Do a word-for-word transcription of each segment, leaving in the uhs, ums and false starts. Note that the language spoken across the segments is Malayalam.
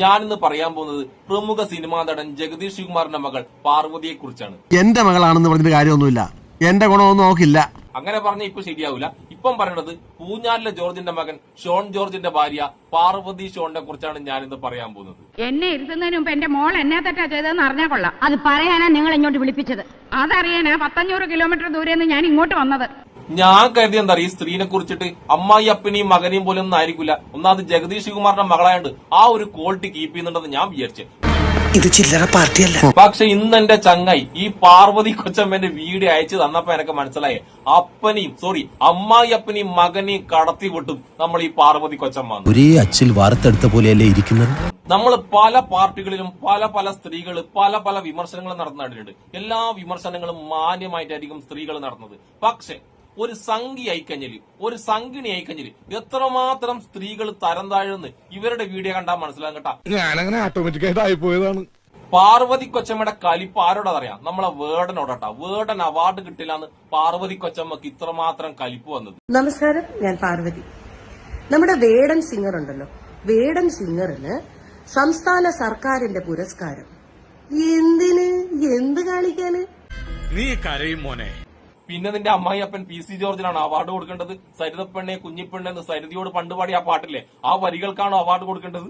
ഞാനിന്ന് പറയാൻ പോകുന്നത് പ്രമുഖ സിനിമാ നടൻ ജഗദീഷ് ശിവകുമാറിന്റെ മകൾ പാർവതിയെ കുറിച്ചാണ്. എന്റെ മകളാണെന്ന് പറഞ്ഞിട്ട് കാര്യമൊന്നുമില്ല, എന്റെ ഗുണമൊന്നും നോക്കില്ല. അങ്ങനെ പറഞ്ഞ ഇപ്പൊ ശരിയാവില്ല. ഇപ്പം പറയുന്നത് പൂഞ്ഞാലിലെ ജോർജിന്റെ മകൻ ഷോൺ ജോർജിന്റെ ഭാര്യ പാർവതി ഷോണിനെ കുറിച്ചാണ് ഞാനിന്ന് പറയാൻ പോകുന്നത്. എന്നെ ഇരുത്തുന്നതിന് മുമ്പ് എന്റെ മോൾ എന്നാ തെറ്റാ ചെയ്തതെന്ന് അറിഞ്ഞാൽ കൊള്ളാം. അത് പറയാനാ നിങ്ങൾ ഇങ്ങോട്ട് വിളിപ്പിച്ചത്. അതറിയാനാ പത്തഞ്ഞൂറ് കിലോമീറ്റർ ദൂരെന്ന് ഞാൻ ഇങ്ങോട്ട് വന്നത്. ഞാൻ കരുതി എന്താ ഈ സ്ത്രീനെ കുറിച്ചിട്ട് അമ്മായി അപ്പനെയും മകനെയും പോലെ ഒന്നും ആയിരിക്കില്ല. ഒന്നാമത് ജഗദീഷ് ശിവകുമാറിന്റെ മകളായോണ്ട് ആ ഒരു ക്വാളിറ്റി കീപ്പ് ചെയ്യുന്നുണ്ടെന്ന് ഞാൻ വിചാരിച്ചു. ഇത് ചില്ലറ പാർട്ടിയല്ല. പക്ഷെ ഇന്ന് എന്റെ ചങ്ങായി ഈ പാർവതി കൊച്ചമ്മന്റെ വീഡിയോ അയച്ചു തന്നപ്പോ എനിക്ക് മനസ്സിലായേ, അപ്പനെയും സോറി അമ്മായി അപ്പനെയും മകനെയും കടത്തി വിട്ടും നമ്മൾ ഈ പാർവതി കൊച്ചമ്മ. ഒരേ അച്ചിൽ വാർത്തെടുത്ത പോലെയല്ലേ ഇരിക്കുന്നത്. നമ്മൾ പല പാർട്ടികളിലും പല പല സ്ത്രീകൾ പല പല വിമർശനങ്ങൾ നടന്നിട്ടുണ്ട്. എല്ലാ വിമർശനങ്ങളും മാന്യമായിട്ടായിരിക്കും സ്ത്രീകൾ നടന്നത്. പക്ഷെ ഒരു സംഘി ആയിക്കഴിഞ്ഞാല് ഒരു സംഘിണി ആയിക്കഴിഞ്ഞാല് എത്രമാത്രം സ്ത്രീകൾ തരം താഴുന്ന് ഇവരുടെ വീഡിയോ കണ്ടാൽ മനസ്സിലാകും കേട്ടാ. ഞാനങ്ങനെ ഓട്ടോമാറ്റിക്കായിട്ട് ആയിപ്പോയതാണ്. പാർവതി കൊച്ചമ്മയുടെ കലിപ്പ് ആരോടറിയാം? നമ്മളെ വേടനോടട്ടാ. വേടൻ അവാർഡ് കിട്ടില്ലാന്ന് പാർവതി കൊച്ചമ്മക്ക് ഇത്രമാത്രം കലിപ്പ് വന്നത്. നമസ്കാരം, ഞാൻ പാർവതി. നമ്മുടെ വേടൻ സിംഗർ ഉണ്ടല്ലോ, വേടൻ സിംഗറിന് സംസ്ഥാന സർക്കാരിന്റെ പുരസ്കാരം. എന്തിന്? എന്ത് കാണിക്കാന്? നീ കരയും മോനെ. പിന്നെ നിന്റെ അമ്മായി അപ്പൻ പി സി ജോർജിനാണ് അവാർഡ് കൊടുക്കേണ്ടത്. സരിതപ്പെണ്ണെ കുഞ്ഞിപ്പെണ്ണെ എന്ന് സരിതയോട് പണ്ട് പാടി ആ പാട്ടില്ലേ, ആ വരികൾക്കാണോ അവാർഡ് കൊടുക്കേണ്ടത്?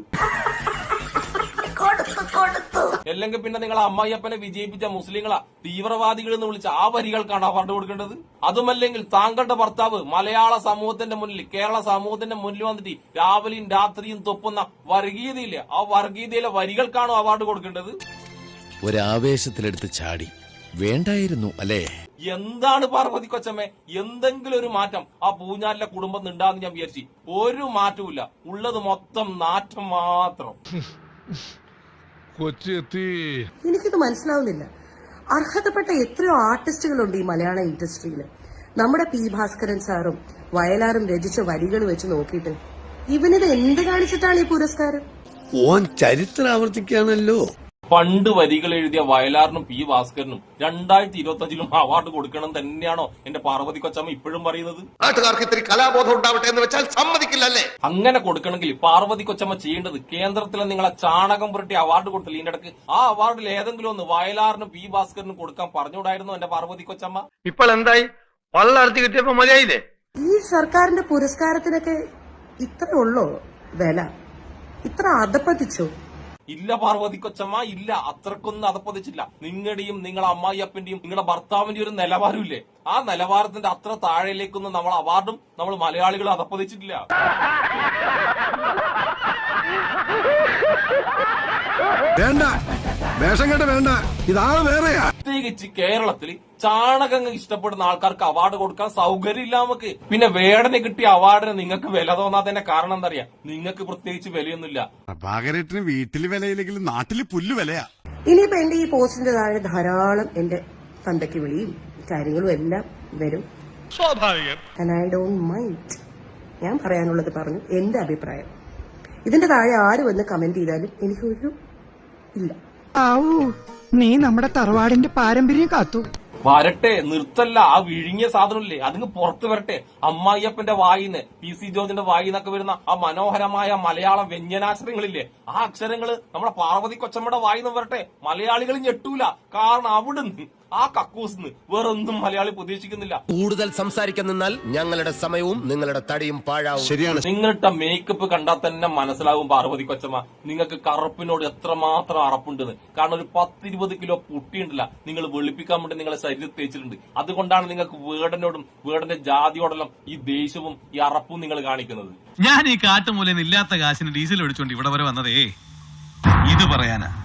അല്ലെങ്കിൽ പിന്നെ നിങ്ങൾ അമ്മായി അപ്പനെ വിജയിപ്പിച്ച മുസ്ലിങ്ങളാ തീവ്രവാദികൾ എന്ന് വിളിച്ച ആ വരികൾക്കാണ് അവാർഡ് കൊടുക്കേണ്ടത്? അതുമല്ലെങ്കിൽ താങ്കളുടെ ഭർത്താവ് മലയാള സമൂഹത്തിന്റെ മുന്നിൽ കേരള സമൂഹത്തിന്റെ മുന്നിൽ വന്നിട്ട് രാവിലെയും രാത്രിയും തൊപ്പുന്ന വർഗീയതയില്ലേ, ആ വർഗീയതയിലെ വരികൾക്കാണോ അവാർഡ് കൊടുക്കേണ്ടത്? ഒരാവേശത്തിലെടുത്ത് ചാടി വേണ്ടായിരുന്നു അല്ലേ? എന്താണ് പാർവതി കൊച്ചമ്മേ, എന്തെങ്കിലും ഒരു മാറ്റം ആ പൂഞ്ഞാലിലെ കുടുംബം ഉണ്ടാന്ന് ഞാൻ വിചാരിച്ചു. ഒരു മാറ്റവും ഉള്ളത് മൊത്തം നാറ്റം മാത്രം. കൊച്ചെത്തി. എനിക്കിത് മനസ്സിലാവുന്നില്ല. അർഹതപ്പെട്ട എത്രയോ ആർട്ടിസ്റ്റുകളുണ്ട് ഈ മലയാള ഇൻഡസ്ട്രിയില്. നമ്മുടെ പി ഭാസ്കരൻ സാറും വയലാറും രചിച്ച വരികൾ വെച്ച് നോക്കിയിട്ട് ഇവനിത് എന്ത് കാണിച്ചിട്ടാണ് ഈ പുരസ്കാരം? ഓൻ ചരിത്രം ആവർത്തിക്കാണല്ലോ. പണ്ട് വരികൾ എഴുതിയ വയലാറിനും പി ഭാസ്കരനും രണ്ടായിരത്തി ഇരുപത്തി അഞ്ചിലും അവാർഡ് കൊടുക്കണം തന്നെയാണോ എന്റെ പാർവതി കൊച്ചമ്മ ഇപ്പോഴും പറയുന്നത്? നാട്ടുകാർക്ക് ഇത്തിരി കലാബോധം ഉണ്ടാവട്ടെ എന്ന് വെച്ചാൽ സമ്മതിക്കില്ലല്ലേ? അങ്ങനെ കൊടുക്കണമെങ്കിൽ പാർവതി കൊച്ചമ്മ ചെയ്യേണ്ടത് കേന്ദ്രത്തിലെ നിങ്ങളെ ചാണകം പുരട്ടി അവാർഡ് കൊടുത്തില്ല. ഇതിന്റെ ഇടക്ക് ആ അവാർഡിൽ ഏതെങ്കിലും ഒന്ന് വയലാറിനും പി ഭാസ്കരനും കൊടുക്കാൻ പറഞ്ഞുകൂടായിരുന്നു എന്റെ പാർവതി കൊച്ചമ്മ? ഇപ്പോൾ എന്തായി? പള്ളർത്തി കിട്ടിയപ്പോ മതിയായില്ലേ? ഈ സർക്കാരിന്റെ പുരസ്കാരത്തിനൊക്കെ ഇത്ര ഉള്ളോ വില? ഇത്ര അധപ്പതിച്ചോ? ഇല്ല പാർവതി കൊച്ചമ്മ, ഇല്ല, അത്രക്കൊന്നും അതപ്പതിച്ചില്ല. നിങ്ങളുടെയും നിങ്ങളെ അമ്മായി അപ്പന്റെയും നിങ്ങളുടെ ഭർത്താവിന്റെ ഒരു നിലവാരമില്ലേ, ആ നിലവാരത്തിന്റെ അത്ര താഴേലേക്കൊന്നും നമ്മൾ അവാർഡും നമ്മൾ മലയാളികൾ അതപ്പതിച്ചിട്ടില്ല. വേണ്ട, വേഷം കേട്ട വേണ്ട, ഇതാണ് വേറെയാ. പ്രത്യേകിച്ച് കേരളത്തിൽ ചാണകം ഇഷ്ടപ്പെടുന്ന ആൾക്കാർക്ക് അവാർഡ് കൊടുക്കാൻ സൗകര്യമില്ല നമുക്ക്. പിന്നെ വേടനെ കിട്ടിയ അവാർഡിന് നിങ്ങൾക്ക് വില തോന്നാത്തതിന്റെ കാരണം എന്താ അറിയാം? നിങ്ങൾക്ക് പ്രത്യേകിച്ച് വിലയൊന്നുമില്ല. പ്രഭാകരേട്ടന് വീട്ടില് വിലയില്ലെങ്കിലും നാട്ടില് പുല്ല് വിലയാ. ഇനിയിപ്പോ എന്റെ ഈ പോസ്റ്റിന്റെ താഴെ ധാരാളം എന്റെ തന്തയ്ക്ക് വിളിയും കാര്യങ്ങളും എല്ലാം വരും. സ്വാഭാവികം. And I don't mind. ഞാൻ പറയാനുള്ളത് പറഞ്ഞു, എന്റെ അഭിപ്രായം. ഇതിന്റെ താഴെ ആര് വന്ന് കമന്റ് ചെയ്താലും എനിക്കൊരു ഇല്ല. നീ നമ്മുടെ തറവാടിന്റെ പാരമ്പര്യം കാത്തു. വരട്ടെ, നിർത്തല്ല. ആ വിഴുങ്ങിയ സാധനമില്ലേ അതിന് പുറത്തു വരട്ടെ. അമ്മായിയപ്പന്റെ വായിന്ന് പി സി ജോർജിന്റെ വായിന്നൊക്കെ വരുന്ന ആ മനോഹരമായ മലയാളം വ്യഞ്ജനാക്ഷരങ്ങളില്ലേ, ആ അക്ഷരങ്ങള് നമ്മുടെ പാർവതി കൊച്ചമ്മയുടെ വായിന്ന് വരട്ടെ. മലയാളികൾ ഞെട്ടൂല. കാരണം അവിടുന്ന് ആ കക്കൂസിന്ന് വേറൊന്നും മലയാളി പ്രതീക്ഷിക്കുന്നില്ല. കൂടുതൽ സംസാരിക്കാൻ നിന്നാൽ ഞങ്ങളുടെ സമയവും നിങ്ങളുടെ തടിയും പാഴാവും. ശരിയാണ്. നിങ്ങളുടെ മേക്കപ്പ് കണ്ടാൽ തന്നെ മനസ്സിലാവും പാർവതി കൊച്ചമ്മ നിങ്ങൾക്ക് കറുപ്പിനോട് എത്രമാത്രം അറപ്പുണ്ടെന്ന്. കാരണം ഒരു പത്തിരുപത് കിലോ പുട്ടിയുണ്ടല്ല നിങ്ങൾ വെളുപ്പിക്കാൻ വേണ്ടി നിങ്ങളെ ശരീരത്തിൽ തേച്ചിട്ടുണ്ട്. അതുകൊണ്ടാണ് നിങ്ങൾക്ക് വേടനോടും വേടന്റെ ജാതിയോടെല്ലാം ഈ ദേഷ്യവും ഈ അറപ്പും നിങ്ങൾ കാണിക്കുന്നത്. ഞാൻ ഈ കാട്ടുമൂലയിൽ ഇല്ലാത്ത കാശിന് ഡീസൽ ഒഴിച്ചോണ്ട് ഇവിടെ വരെ വന്നതേ ഇത് പറയാനാ.